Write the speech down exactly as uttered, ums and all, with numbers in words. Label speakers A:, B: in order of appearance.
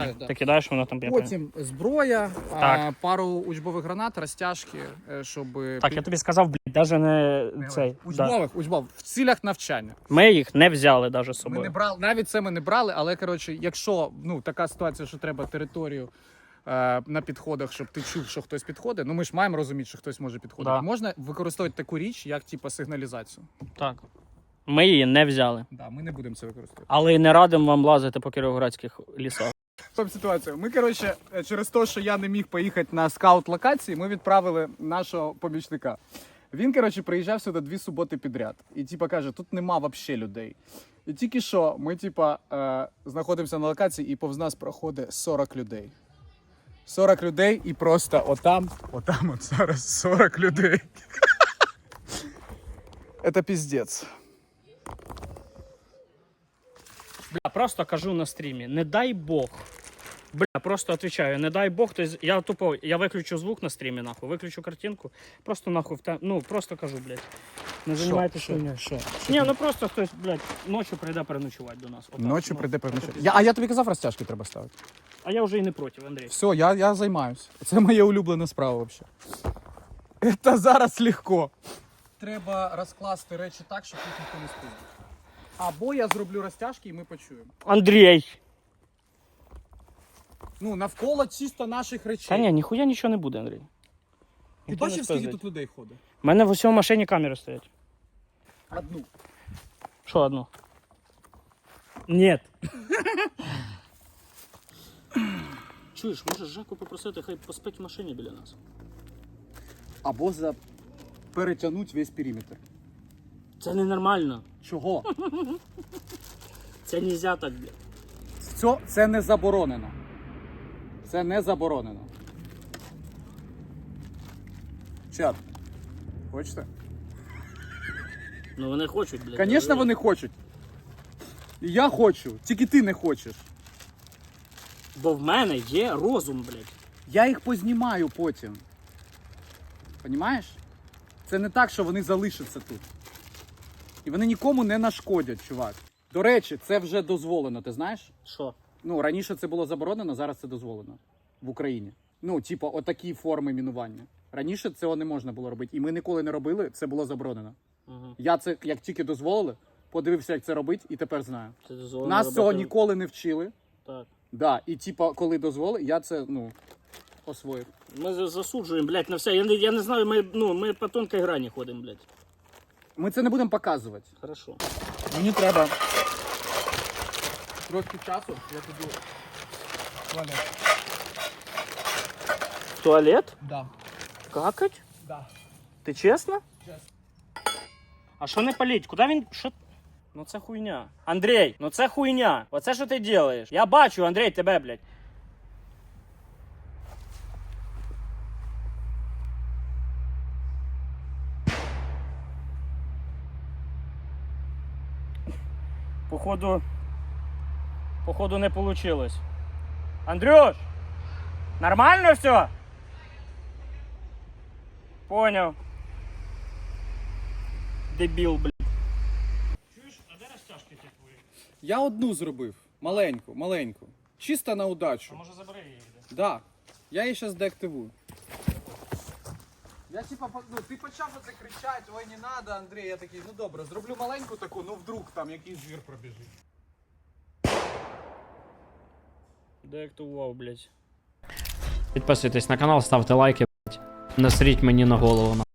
A: Ти кидаєш, воно там б'є.
B: Потім зброя,
A: Так.
B: а, пару учбових гранат, розтяжки, е, щоб...
A: Так, я тобі сказав, блядь, навіть не цей. Да.
B: Учбових, учбових, в цілях навчання.
A: Ми їх не взяли навіть з
B: Ми не
A: собою.
B: брали, навіть це ми не брали, але, коротше, якщо, ну, така ситуація, що треба територію е, на підходах, щоб ти чув, що хтось підходить, ну, ми ж маємо розуміти, що хтось може підходити.
A: Да.
B: Можна використовувати таку річ, як, типу, сигналізацію.
A: Так. Ми її не взяли.
B: Да, ми не будемо це використовувати.
A: Але і не радимо вам лазити по кіровоградських лісах.
B: Стоп ситуація. Ми, коротше, через те, що я не міг поїхати на скаут-локації, ми відправили нашого помічника. Він, коротше, приїжджав сюди дві суботи підряд. І, типа, каже, тут нема взагалі людей. І тільки що ми, типа, е, знаходимося на локації, і повз нас проходить сорок людей. сорок людей, і просто отам, отам от зараз сорок людей. Це піздець.
A: Бля, просто кажу на стрімі, не дай Бог. Бля, просто отвечаю, не дай Бог, то я тупо, я виключу звук на стрімі, нахуй, виключу картинку, просто нахуй, в те, ну, просто кажу, блядь. Не займайтеся хуйнею.
B: Що?
A: Ні, ну просто хтось, блядь, ночі прийде переночувати до нас. Отак,
B: Ночі
A: ну.
B: прийде переночувати. Я, а я тобі казав, розтяжки треба ставити.
A: А я вже і не проти, Андрій.
B: Все, я, я займаюсь. Це моя улюблена справа взагалі. Це зараз легко. Треба розкласти речі так, щоб їх ніхто не спіздив. Або я зроблю розтяжки і ми почуємо.
A: Андрій!
B: Ну, навколо чисто наших речей.
A: Та ні, ніхуя нічого не буде, Андрій.
B: Ти
A: Ніхто не
B: бачив, скільки
A: спиздить.
B: тут людей ходить?
A: У мене в усьому машині камери стоять.
B: Одну.
A: Що одну? Ні. Чуєш, можеш Жаку попросити, хай поспить в машині біля нас.
B: Або за перетягнути весь периметр.
A: Це ненормально.
B: Чого?
A: Це нельзя так, блядь.
B: Це, це не заборонено. Це не заборонено. Чат. Хочете?
A: Ну вони хочуть, блядь.
B: Звісно, вони хочуть. І я хочу, тільки ти не хочеш.
A: Бо в мене є розум, блядь.
B: Я їх познімаю потім. Понімаєш? Це не так, що вони залишаться тут. І вони нікому не нашкодять, чувак. До речі, це вже дозволено, ти знаєш?
A: Що?
B: Ну, раніше це було заборонено, зараз це дозволено. В Україні. Ну, типу, отакі форми мінування. Раніше цього не можна було робити. І ми ніколи не робили, це було заборонено.
A: Угу.
B: Я це, як тільки дозволили, подивився, як це робити, і тепер знаю.
A: Це дозволено
B: Нас
A: робити...
B: цього ніколи не вчили.
A: Так.
B: Да, і типу, коли дозволили, я це, ну, освоїв.
A: Ми за- засуджуємо, блядь, на все. Я не, я не знаю, ми, ну, ми по тонкій грані ходимо, блядь.
B: Ми це не будемо показувати.
A: Хорошо.
B: Мені треба трошки часу, я піду в туалет.
A: В туалет?
B: Да.
A: Какать?
B: Да.
A: Ти чесно?
B: Чесно.
A: А що не паліть? Куди він... Що... Ну це хуйня. Андрій, ну це хуйня. Оце що ти робиш? Я бачу, Андрій, тебе, блядь. Походу... Походу не получилось. Андрюш! Нормально все? Понял. Дебіл, блядь. Чуєш, а де розтяжки ті твої?
B: Я одну зробив. Маленьку, маленьку. Чисто на удачу.
A: А може забери її? Де?
B: Да. Я її зараз деактивую. Я типа, ну, ти почав оце кричати, ой, не надо, Андрій. Я такий, ну добре, зроблю маленьку таку, ну вдруг там якийсь звір пробіжить.
A: Деактивував, блядь.
C: Підписуйтесь на канал, ставте лайки, блядь. Насріть мені на голову.